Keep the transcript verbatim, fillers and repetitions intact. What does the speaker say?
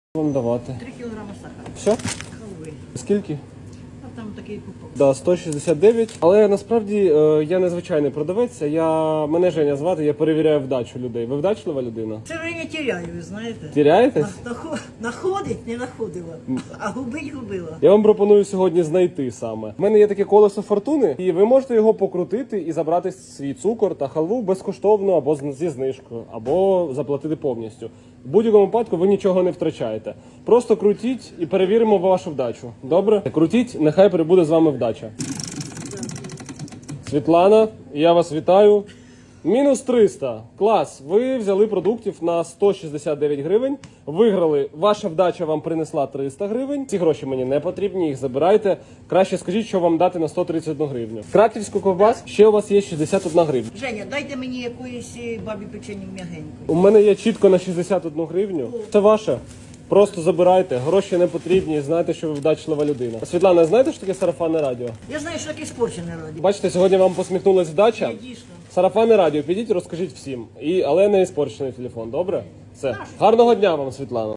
Вам давати? Три кілограми сахара. Все? Халви. Скільки? А там такий купок. Да, сто шістдесят дев'ять. Але насправді е, я не звичайний продавець, я, мене Женя звати, я перевіряю вдачу людей. Ви вдачлива людина? Це вже не тіряю, ви знаєте. Тіряєтесь? Нахо- Находить, не находила, а губить губила. Я вам пропоную сьогодні знайти саме. У мене є таке колесо фортуни, і ви можете його покрутити і забрати свій цукор та халву безкоштовно або з- зі знижкою, або заплатити повністю. В будь-якому випадку ви нічого не втрачаєте. Просто крутіть і перевіримо вашу вдачу. Добре? Крутіть, нехай прибуде з вами вдача. Світлана, я вас вітаю. Мінус триста. Клас. Ви взяли продуктів на сто шістдесят дев'ять гривень. Виграли. Ваша вдача вам принесла триста гривень. Ці гроші мені не потрібні, їх забирайте. Краще скажіть, що вам дати на сто тридцять одну гривню. Краківську ковбас ще у вас є шістдесят одна гривня. Женя, дайте мені якоїсь е, бабі печені м'ягенької. У мене є чітко на шістдесят одну гривню. Це ваше. Просто забирайте, гроші не потрібні, знайте, що ви вдачлива людина. Світлана, знаєте, що таке сарафанне радіо? Я знаю, що таке спорчене раді. Бачите, сьогодні вам посміхнулась вдача. Я дійсно. Сарафанне радіо, підіть, розкажіть всім. І, але не іспорчений телефон, добре? Все. Гарного дня вам, Світлана.